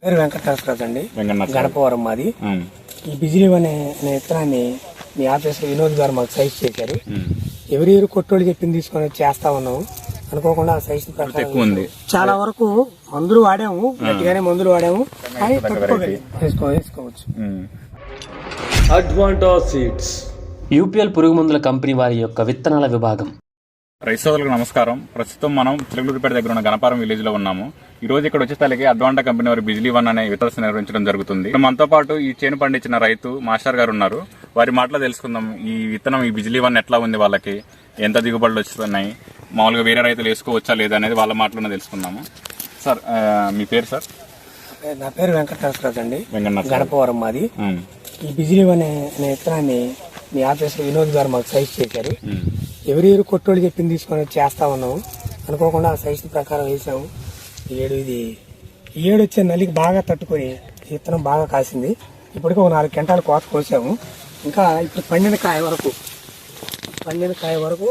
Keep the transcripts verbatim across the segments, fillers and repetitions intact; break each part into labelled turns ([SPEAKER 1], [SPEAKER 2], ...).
[SPEAKER 1] పేరు వెంకటరాజు అండి, గణపవరం మాది. ఈ బిజిలీ అనే విత్తనాన్ని మీ ఆఫీస్ వినోద్ గారు మాకు సైజ్ చేశారు. ఎవరి ఎవరు కొట్టోళ్ళు చెప్పింది తీసుకొని చేస్తా ఉన్నాము. అనుకోకుండా ఆ సైజ్ ప్రకారం చాలా వరకు మందులు వాడాము, గట్టిగానే మందులు వాడాము, కానీ వేసుకో వేసుకోవచ్చు.
[SPEAKER 2] అడ్వాంటా సీడ్స్ యూపీఎల్ పురుగు మందుల కంపెనీ వారి యొక్క విత్తనాల విభాగం.
[SPEAKER 3] రైతు సోదరులకు నమస్కారం. ప్రస్తుతం మనం తిరుగులూరుపేట దగ్గర ఉన్న గణపారం విలేజ్ లో ఉన్నాము. ఈ రోజు ఇక్కడ వచ్చేసరికి అడ్వాంటా కంపెనీ వారి బిజిలీ వన్ అనే విత్తనాలు నిర్వహించడం జరుగుతుంది. మనతో పాటు ఈ చేను పండించిన రైతు మాస్టర్ గారు ఉన్నారు. వారి మాటలో తెలుసుకుందాం ఈ విత్తనం ఈ బిజిలీ వన్ ఎట్లా ఉంది, వాళ్ళకి ఎంత దిగుబడులు వస్తున్నాయి, మామూలుగా వేరే రైతులు వేసుకోవచ్చా లేదా అనేది వాళ్ళ మాటలోనే తెలుసుకుందాము. సార్ మీ పేరు? సార్
[SPEAKER 1] నా పేరు వెంకటరాజు అండి, గణపవరం మాది. ఈ బిజిలీ వన్ అనే విత్తనాన్ని మీ ఆఫీస్ వినోద్ గారు మాకు సైజ్ చేశారు. ఎవరి ఎవరు కొట్టోళ్ళు చెప్పింది తీసుకొని చేస్తా ఉన్నాము. అనుకోకుండా ఆ సైజ్ ప్రకారం వేసాము. ఈ ఏడు ఇది ఈ ఏడు వచ్చే నల్లికి బాగా తట్టుకొని విత్తనం బాగా కాసింది. ఇప్పటికీ ఒక నాలుగు గంటలు కోత కోసాము. ఇంకా ఇప్పుడు పండిన కాయ వరకు పండిన కాయ వరకు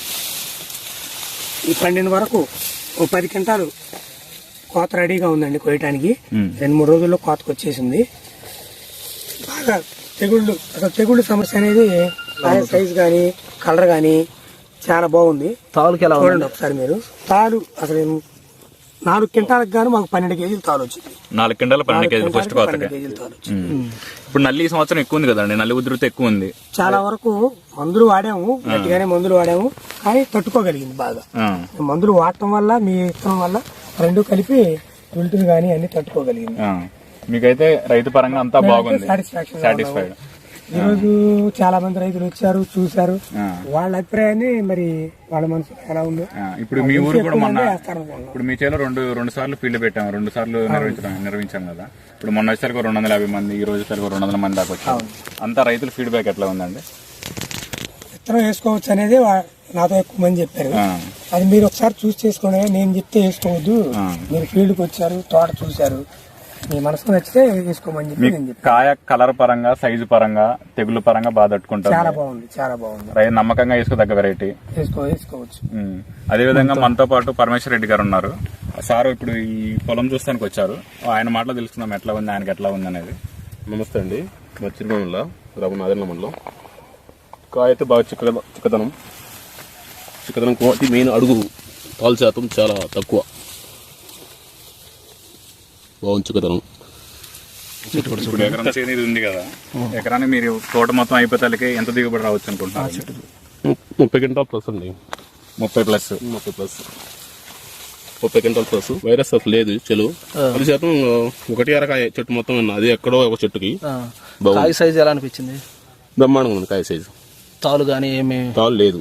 [SPEAKER 1] ఈ పండిన వరకు ఒక పది గంటలు కోత రెడీగా ఉందండి కోయటానికి. రెండు మూడు రోజుల్లో కోతకు వచ్చేసింది. బాగా తెగుళ్ళు అసలు తెగుళ్ళు సమస్య అనేది కాయ సైజ్ కానీ కలర్ కానీ చాలా బాగుంది. తాలుకి ఎలా చూడండి ఒకసారి మీరు. తాలు అసలు నాలుగు క్వింటాలకు గాను మాకు పన్నెండు కేజీలు తాలు వచ్చింది.
[SPEAKER 3] నాలుగు క్వింటాలు పన్నెండు కేజీలు ఫస్ట్ కోతకి. ఇప్పుడు నల్లి సంవత్సరం ఎక్కువ ఉంది కదండి, నల్లి ఉధృతి ఎక్కువ ఉంది.
[SPEAKER 1] చాలా వరకు మందులు వాడాము, గట్టిగానే మందులు వాడాము, కానీ తట్టుకోగలిగింది బాగా. మందులు వాడటం వల్ల మీ ఇష్టం వల్ల రెండు కలిపి విల్టుని కానీ అన్ని తట్టుకోగలిగింది.
[SPEAKER 3] మీకైతే రైతు పరంగా అంతా బాగుంది,
[SPEAKER 1] సాటిస్ఫాక్షన్.
[SPEAKER 3] సాటిస్ఫైడ్.
[SPEAKER 1] ఈ రోజు చాలా మంది రైతులు వచ్చారు, చూశారు. వాళ్ళ అభిప్రాయాన్ని మరి వాళ్ళ మనసు ఎలా ఉందో.
[SPEAKER 3] ఇప్పుడు మీ ఊరు కూడా మొన్న ఇప్పుడు మీ చేలో రెండు రెండు సార్లు ఫీల్డ్ పెట్టాము, రెండు సార్లు నిర్వహించడం నిర్వహించాం కదా. ఇప్పుడు మొన్న వచ్చేసరికి రెండు వందల యాభై మంది, ఈ రోజు సరికి రెండు వందల మంది దాకా వచ్చారు. అంతా రైతుల ఫీడ్బ్యాక్ ఎట్లా ఉందండి?
[SPEAKER 1] విత్తనం వేసుకోవచ్చు అనేది నాతో ఎక్కువ మంది చెప్పారు. అది మీరు ఒకసారి చూసి చేసుకోండి, నేను చెప్తే వేసుకోవద్దు. మీరు ఫీల్డ్కి వచ్చారు, తోట చూశారు, మీ మనసుకు నచ్చితే వేసుకోమని చెప్పి నేను చెప్పాను.
[SPEAKER 3] కాయ కలర్ పరంగా, సైజు పరంగా, తెగులు పరంగా బాగా తట్టుకుంటారు.
[SPEAKER 1] చాలా బాగుంది, చాలా బాగుంది.
[SPEAKER 3] రైతు నమ్మకంగా వేసుకోదగ్గ వెరైటీ.
[SPEAKER 1] వేసుకో వేసుకోవచ్చు.
[SPEAKER 3] అదే విధంగా మనతో పాటు పరమేశ్వర రెడ్డి గారు ఉన్నారు. సార్ ఇప్పుడు ఈ పొలం చూస్తానికి వచ్చారు, ఆయన మాటలో తెలుసుకుందాం ఎట్లా ఉంది, ఆయనకి ఎట్లా ఉంది అనేది.
[SPEAKER 4] నమస్తే అండి, మా చిరుమల రఘునాథన్ మండలం. కాయ అయితే బాగా చిక్క చిక్కదనం చిక్కదనం క్వాలిటీ మెయిన్. అడుగు పాలు శాతం చాలా తక్కువ, బాగుంది చిక్కదనం.
[SPEAKER 3] ఇప్పుడు ఎకరం చేను ఇది ఉంది కదా, ఎకరానికి మీరు తోట మొత్తం అయిపోతాలకి ఎంత దిగుబడి రావచ్చు అనుకుంటున్నారు?
[SPEAKER 4] ముప్పై క్వింటాల్ ప్లస్ అండి.
[SPEAKER 3] ముప్పై ప్లస్
[SPEAKER 4] ముప్పై ప్లస్ ముప్పై క్వింటాల్ ప్లస్. వైరస్ అసలు లేదు. చెలు పది శాతం ఒకటి అరకాయ చెట్టు మొత్తం విన్నా, అది ఎక్కడో ఒక చెట్టుకి.
[SPEAKER 5] కాయ సైజ్ ఎలా అనిపించింది?
[SPEAKER 4] బ్రహ్మాండంగా ఉంది కాయ సైజు.
[SPEAKER 5] తాలు కానీ ఏమి
[SPEAKER 4] తాలు లేదు.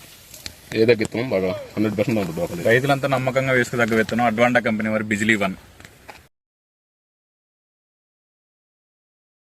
[SPEAKER 4] ఏదో విత్తనం బాగా హండ్రెడ్ పర్సెంట్ ఉంటుంది.
[SPEAKER 3] రైతులంతా నమ్మకంగా వేసుకోదగ్గ విత్తనం అడ్వాంటా కంపెనీ వారి బిజిలీ వన్.